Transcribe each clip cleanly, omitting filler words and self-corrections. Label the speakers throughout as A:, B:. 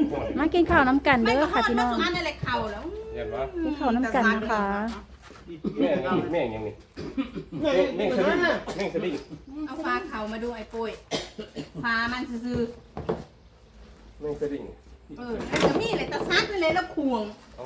A: มากินข้าวน้ำกัน
B: ไม่
A: เด้
B: ก็
A: อ
B: ทอ
A: ค่ะ
B: ด
A: พี่
B: มา
A: น้อง
B: สุอันอะไรเข่าแล้ว
C: เห็นปะ
A: กินข้าวน้ำกันนะคะ
C: แม่ยังนี่แม่สดิ้ง
B: เอาฟ้าเข่ามาดูไอ้ปุ้ยฟ้ามันซื่อ
C: แม่สดิ้ง
B: แล้วก็มีอะไรตะซัดไปเลยแล้วควง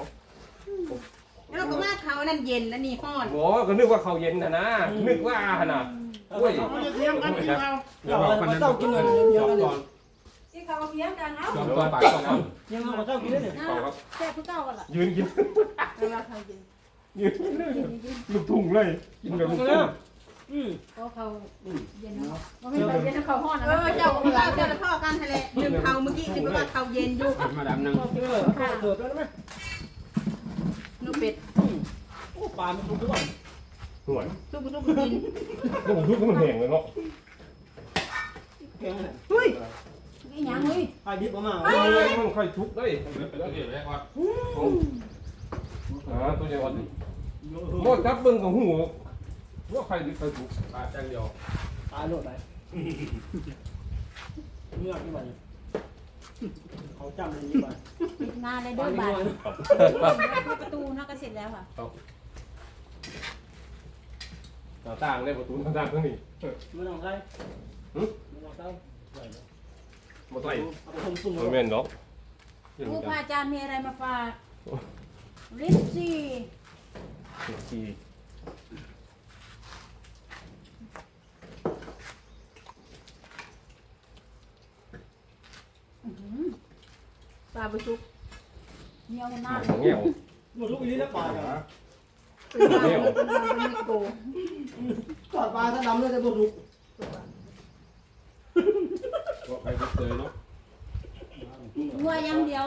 B: แล้วก็มาเขานั่นเย็นแล้วนี่ห้อน
C: โอ้ก็นึกว่าเขาเย็นนะนึกว่านะโอ้ย
D: เขาจะเทียมกันกินเรา
E: เราเจ้ากินเลยเยอะเลย
B: ที่เขาเพี้ยงกันเอา
C: จอมตอนปากก่อน
E: ยังเอาเจ้ากินได้เนี่ย
C: ครับ
B: แค่ผู้เก่ากันล่ะ
C: ยืนกิน
B: เวลาเขาเย็น
C: ยืนกินเลยลูกทุ่งเลยกินแบบลูกทุ่ง
B: เขาเย็นเนาะว่าไม่ไปเย็นเขาห้อนเจ้าของเราเจ้าละพ่อกันทะเลลืมเขาเมื่อกี้คิดว่าเขาเย็นอยู่
E: มาดำนั่งเกิดแล้วไหม
B: นูเป็ด
E: โอ้ปลามันทุกข์ด้วย
C: ห่วย
B: ทุกกิน
C: ลูกทุ่งมันแห้งเลยเนาะ
E: แข็งเลย
B: เฮ้ยนี่ยังเฮ้ย
E: ไอ้ดิบออกมา
C: มันค่อยทุกเลยตัวใหญ่วันนี้โม่จับเบิ้งของหูว่าใครดิใครทุกปลาแจ้งเดียว
E: ตายโลดไปเมื่อกี้ไปเขาจำเลยนี่ไป
A: ปิดงานเลยเด้อบาทประตูนอกก็เสร็จแล้วค่ะ
C: หน้าต่างเลยประตูหน้าต่างทั้งนี้
E: ไม่ต้องใส่ไม่ต้องใส่
C: มาใส่
E: เอาไปทำซุ่ม
C: มันแม่นเนาะ
A: ผู้พระอาจารย์มีอะไรมาฝากลิปซี่
C: ที
B: ปลาบุชุก
A: เหนียวหน้า
C: เงี้ยว
E: หมดลูกอีนี่แล้วปลาเหรอ
B: เป็นปลาเป็นโก
E: ทอดปลาถ้าดำเลยจะหมดลูก
C: ว่าใครจะเจอเนาะ
A: งัวอย่างเดียว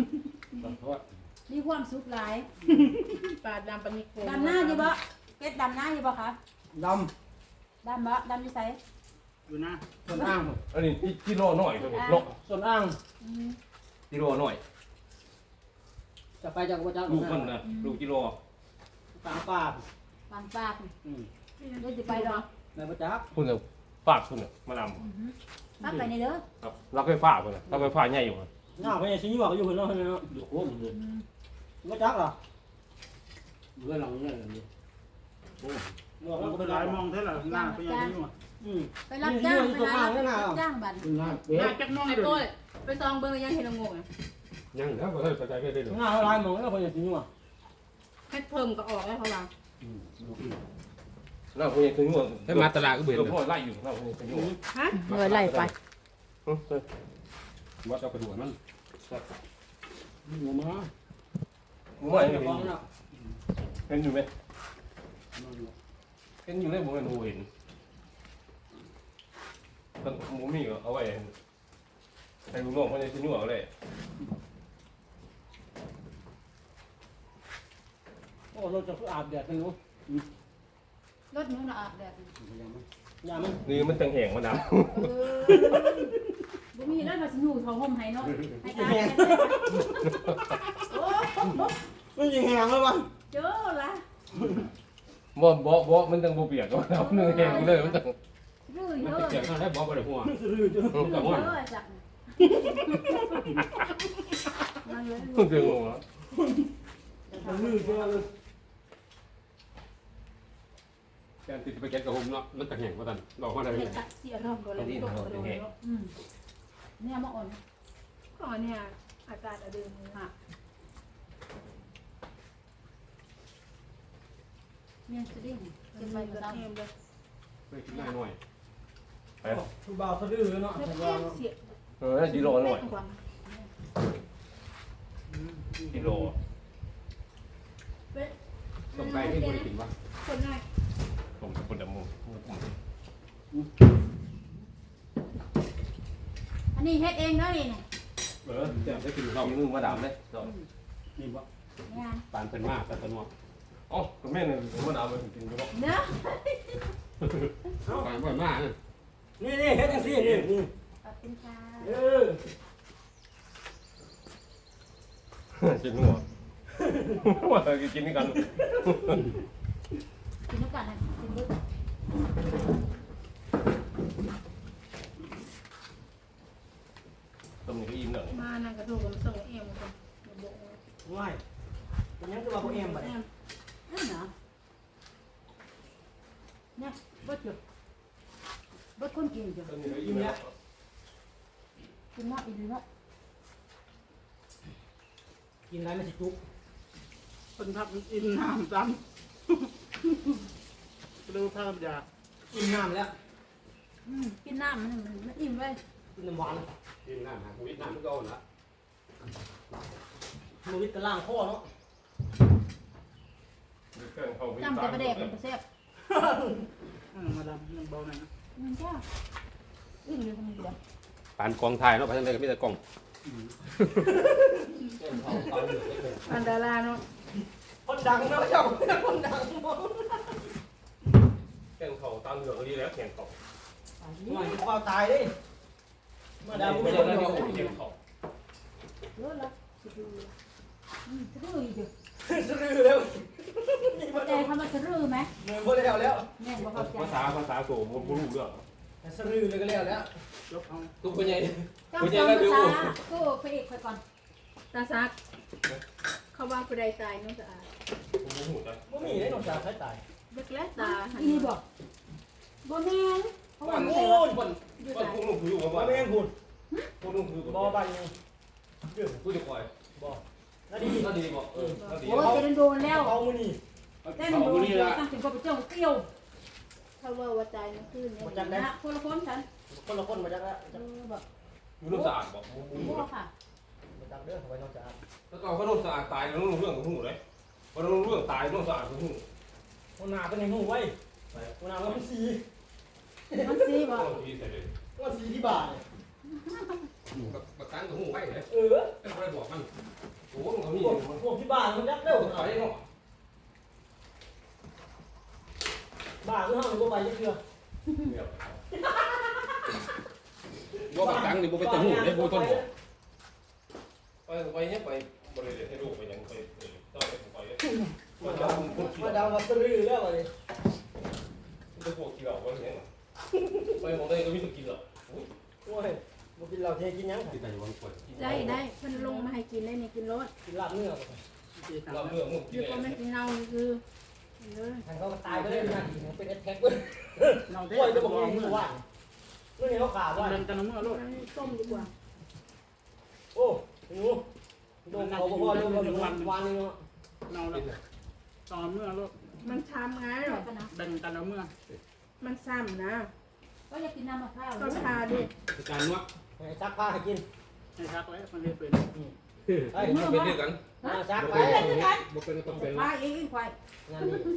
A: มีความสุขหลาย
B: ปลาดำปลานิโก
A: ดำหน้าอยู่บ่เป็ดดำหน้าอยู่บ่คะ
E: ด
A: ดำบ่ดำอยู่ไส
D: อยู่นะ
E: ำส่วนอ่าง
C: อันนี้กิโลหน่อยตัวนี้เนาะ
E: ส่วนอ่าง
C: กิโลหน่อย
E: จะไปจากวัดจักร
C: ลูกมันนะลูกกิโล
E: ตามปลา
A: ปางปากเดี๋ยวจะไปดอก
E: ในวัดจักร
C: คุณเนี่ยฝากคุณเนี่ยมาด
A: พักไปในเด้อ
C: ำครับรับไฟฟ้าคุณเนี่ยรับไฟฟ้าใหญ่อยู่
E: หน้าไปชิ้นหยวกอยู่คนละคนเนาะ
D: อยู่โค้งเลย
E: วัดจักรเหรอ
D: เมื่อเราเนี่ยเลย
E: หยวก
D: เรา
E: มันก็
D: ไป
E: เป็น
D: ห
E: ไร
D: ลายม
E: ม
D: อ
E: อง
D: งเท่าไหร่หน้าไปยังนี่วะ
A: ไปรับจ้างไปรับจ้างบัตร
D: คุณหน้า
B: ไอ้ปุ้ยไปซองเบอร์ยังเห็นงงอ่ะ
C: ยังแล้วก็ได้กระจายไปได้เลย
E: หน้าลายมองแล้วคนอย่างชิ้นหยวก
B: ให้เพิ่มก็ออกแล้วเขาว่า
C: น่าคุณยังถึงหัวให้มาตลาดก็เบื่อพ่อไล่อยู่น่าคุณยังถึงหัว
B: ฮะ
A: เมื่อไล่ไป
C: วัดเอากระดูกมัน
E: หัวมา
C: หมูใหม่
E: เดี๋ยวมองนะ
C: เห็นอยู่ไหมเห็นอยู่ได้ผมเป็นหูเห็นต้นหมูมีก็เอาไว้ให้ลูกน้องเขาจะชิ้นหัวเลย
E: โอ้เราจะอาบแดดกันรู้
A: รถนู้นอาบแดด
E: อย่ามัน
C: นี่มันจังแหงมันด
A: บ่มีแล้วมาสิอยู่เขาห่มให้เนาะให้ตายโอ้
E: มันยิงแหงแล้ววะ
A: เจอละ
C: ำบ่มันจังบ่เปียกก็เอาเนื้อแหงเลยมันจัง
A: รื้อเยอะ
C: เปียกเท่าได้บ่ไปเลยหัว
E: สื่อจ้ะ
A: เยอะจักนั่งเลย
C: เพิ่งเจอหัว
E: สื่อจ้ะ
F: แกนติดไปแกนกระหมเนาะมันตะแหงว่าตันดอกมาได้
A: เด็
F: ยั
A: ก
F: ง
A: ตัดเสียรอบก็เลยตกเลยเนี่ยมาอ่อน
B: ก่อนเนี่ยอากาศอะดืมค่ะ
A: เมียนสดิ้ง
B: จะ
A: จะ
B: ไป
A: ไป
B: ก
A: มา
B: ระ
A: ด
B: เทียมเลย
F: ไปกินได้หน่อย
E: ผู้บ่าวสะดือเนาะ
B: แล้ว
E: ผู้
B: ก็
E: บ่าว
B: เสีย
C: กิโลหน่อย
B: กว่า
C: กิโล
F: ต้มไก่ที่บริกินวะ
B: คนหน่อย
C: ผมจะคนดำมือ
A: อันนี้เฮ็ดเองเนาะนี่
F: แต่ได้กิน
C: เรา
F: เรา
C: มือมาดำเลย
F: นี่วะ
A: เนี่ย
F: ปานเป็นมากแต่ตะนวก
C: อ๋อคุณแม่เนี่ยผมมาดำเลยกินก็
A: เนาะ
F: ปานบ่อยมาก
E: นี่นี่เฮ็ดจังซี่นี่
A: ขอบคุณค่ะ
E: เออ
C: กินหัวว่าจะกินนี่กัน
A: กินน้ำกันนะกินด้วย
C: ต้มนี่ก็อิ่มหนึ่ง
B: มานั่งกระดูกับมันส่งเอ็มกันบอก
E: ง่ายเป็นยังคือว่าพวกเอ็มบ่ได้
B: นั่นเหรอเนี่ยบ่จุบ่คนกินจ้ะ
C: ตอนนี้เรายิ้มแล้ว
B: กินเนาะอีเนาะ
E: กินไรมันสิจุก
D: คนทับอินน้ำซ้ำดูภาพยา
E: กินน้ำแล้ว
B: กินน้ำมันอิ่มไว้
E: กินน้ำหวาน
F: กินน้ำหาวิทน้ำมันก็อ่อนละ
E: มือวิตกระล่างข้อเนาะ
B: จำแต่ประเด็กมันแซ่บ
D: มาดามยังเบาหน่อยนะ
B: มันจ้าอิ่มเลยคนเดียว
F: ปานกองไทยเนาะไปทางใดก็มีแต่กอง
B: อันดาราเนาะ
E: คนดังเนาะเจ้าคนดังบ่
C: แข่งเขาตามเหลืองก็ดีแล้วแข่งเขา
E: หน่อยจะความตายดิมาดาม
C: ไม่
E: ไม่
C: ใช่
E: ได้
C: แล้ว
E: เดียว
C: แข่งเขา
B: เยอะละสะดืออีกเด้อ
E: สลือแล้วนี่บ่
B: ใจ
E: ได้
B: ทำมาสะดือไหม
E: เงินบ่ได้แล้ว
B: แม่บ่เข้าใจ
C: ภาษาโสมผมรู้เรื่อง
E: สลือเลยก็แล้วแล้ว
D: ยกเอา
F: ทุกคนใหญ่
B: จำภาษาก็พระเอกไปก่อน
G: ตาซักเขาว่าผู้ใดตายน้องสะอาด
C: ผมรู้จัก
E: บ่มีได้น้องสาวใช้ตาย
G: เบิกแล้วตาหัน
B: อีบอกบ่แม่นเพราะว่า
E: โอ้ย
C: คนคุณลุงคือว่า
E: บ่แม่นหุ่น
C: คุณลุงคือ
E: บ่บันยังเรื่อง
C: ผู้จะปล่อย
E: บ่นาดี
C: ก็ดีบอกก็ดี
B: โอ้ยจะโดนแล้ว
E: เอามื้อนี้
B: แต่โดนตั้งถึงก็ไปเจ้าเตี้ยว
G: เขาว่าตายเมื่อคืน
E: บ่
G: เนี่ย
E: จักได้
B: นะคนละคนฉัน
E: คนละคนบ่จักแล้ว
B: แบบ
C: อยู่น้ำสะอาดบอก
B: บ่ค่ะ
E: บ่จักเด้อไว้น้องสาว
C: แล้วก็เขาโดนสะอาดตายแล้วรู้เรื่องของหูเลยพอรู้เรื่องตายต้องสะอาดของหู
E: คนหน้าเป็นหูไว้คนหน้ามันสี
B: มันสิบ่
C: ต้องทีเสร็จเลย
E: มันสีที่บาท
F: ประกันของหูไว้เลย
E: เออ
F: แต่ไม่ได้บอกมันโอ้มันก็มี
E: พวกที่บาทมันยักเร็ว
F: ต่อยเนาะ
E: บาทคือเฮาบ่ไปจักเทื่อ
F: ว่าประกันนี่บ่เป็นตัวหูได้บ่ต้นบอก
C: ไปเนี่ยไปบริเวณให้ลูกไปยังไปต้องไปไปมันจะคนขี้
E: มาดาวมาซื้อแล้วบัดนี้
C: จะพวกขี้เหล่าวันนี้ไปมองได้ก็มีสกินเหรอ
E: โอ้ยบ่กินเหล้าเทกินหยัง
F: ที่แต่วันป่วย
G: ได้เพิ่นลงมาให้กินได้นี่กินรส
E: กินลาบเนื้อ
C: เราเรื่องมึง
G: อยู่ก็ไม่กินเน่าคือเออ
E: ทางเขาก็ตายไปเลยนะเป็นแอทแทกเว้ย
D: เราได้
E: โอ้ยจะ
D: บบ อ
E: อก ก
D: เมื่
E: เมื่
D: อ
E: อวานเมื่อนี้เขาขาดว่า
D: เดินกันเมื่อลูก
G: ต้มดีกว่า
E: โอ้หนูโดนเขาบอกว่าโดนวันนึงเนาะ
D: เราแล้วตอนเมื่อลูก
G: มันช้ำไง
B: หรอกนะ
D: แบ่งกันแล้วเมื่อ
G: มันซ้ำนะ
B: ก็อยากกินน้ำมะพร้าว
G: ก็ทาดิ
F: การนวด
E: ให้ซักผ้าให้กิน
D: ให้ชักไว้มันเลยเป็น
E: เฮ้ย
F: มันเป็นด้วยกัน
E: ซัก
F: บ่
E: ไป
F: เป็นต้องเป็น
B: พาเองควาย
E: งานนี้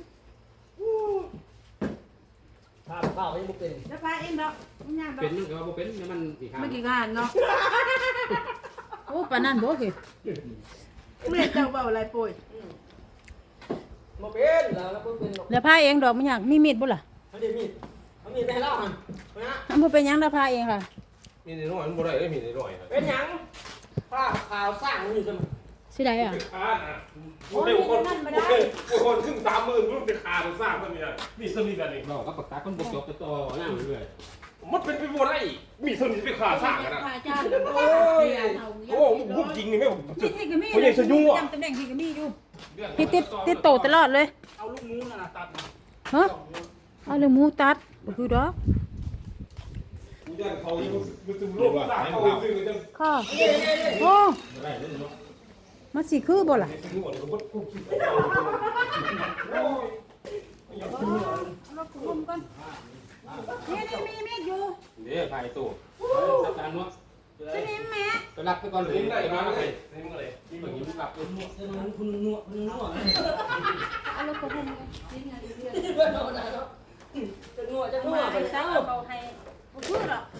E: ผ้าข้าวให้บุกเป็น
B: แล้วพาเองเนาะมันยาก
F: เป็นนึกว่าบ่เป็นมันอีกข้าง
G: เมื่อกี้งานเนาะ
B: โอ้ปานนั้นบ่คือ
G: เมื่อเจ้าเบาอะไรป่วย
E: มาเป็นแล้วก็เป็น
B: แล้วพาเองดอกมันยากมีมีดบ่ล่ะ
E: เขาเดี๋ยวมีดเขามีดไปให้เล่ามันนะ
B: มันบ่เป็นหยังแล้วพาเองค่ะ
C: มีในน้อยมันบ่ได้ได้มีในน้อยนะ
E: เป็นหยังผ้าขาวสร้างมันอยู่กัน
B: สิได้อ่ะ
C: ขาดอ่ะกูได้คนครึ่ง30,000กูเป็นขาเป็นสร้างมันมีอะไรมีสมิธอะไร
F: เราก็ประกาศคนบ่จบไปต่อหน้าเรื่อย
C: มันเป็นไปบ่ได้มีสมิธเป็นขาสร้างกันนะ
G: พาจ้าโอ้
C: โอ้พูดจริงนี่ไม่ผม
B: ที่ก็มีจำตำแหน่งที่ก็มีอยู่ที่ติดโตตลอดเลย
D: เอาลูกมูน่ะตัด
B: ฮะเอาเลยหมูตัดบ่คือดอก
C: กูจะเขาอยู่มันถึงโลกสร้างเขาซื้อกันจัง
B: ค่ะโอ้มันสิคือบ่ล่ะ
C: ถึงหมดก็กูคิดไปโอ้ย
B: เราคุมกันนี่มีมีดอยู่
F: เดี๋ยวถ่ายตู้จัดการนวด
B: สิมีแม่
F: ไปรับไปก่อนเลย
C: นี่ได้
F: ได้
C: มา
F: มา
C: เล
F: เลย ย
C: นี่มึงอะไร
F: นี่มันยิ้มกลับ
E: คุณนวด
B: เอาเราคุมกันกินกันเรื่อย
E: จะนวดจะนว
B: มา
E: ด
B: ไปซักเอาให้บ่คือหรอก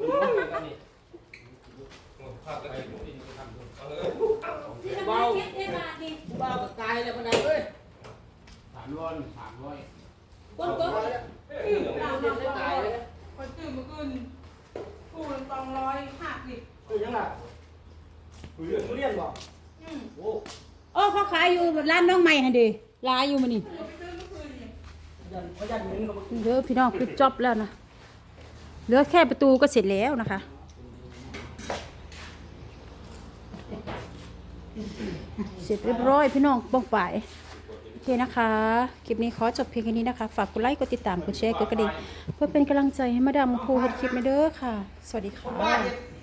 C: ภาพกระดิ่ง
B: เบาเฮ็ดให้มาดิ
E: บ้าก็ตายแล้วมันได้เว้ย
F: ถามร้อนถามร้อย
B: ก้นก้น
E: ตายเลย
G: คนตื่นเมื่อคืนกูมัน250ดิ
E: คือยังไงทุเรียนบอกโอ้
B: โอ้เขาขายอยู่ร้านน้องใหม่หั่นดิลายอยู่มื้อนี้
E: เขายันเงินกับ
B: เด้อพี่น้องปิดจอบแล้วนะเหลือแค่ประตูก็เสร็จแล้วนะคะ
A: เสร็จเรียบร้อยพี่น้องบ้องไปโอเคนะคะคลิปนี้ขอจบเพียงแค่นี้นะคะฝากกดไลค์กดติดตามกดแชร์กดกระดิ่งเพื่อเป็นกำลังใจให้มาดามพูเฮ็ดคลิปมาเด้อค่ะสวัสดีค่ะ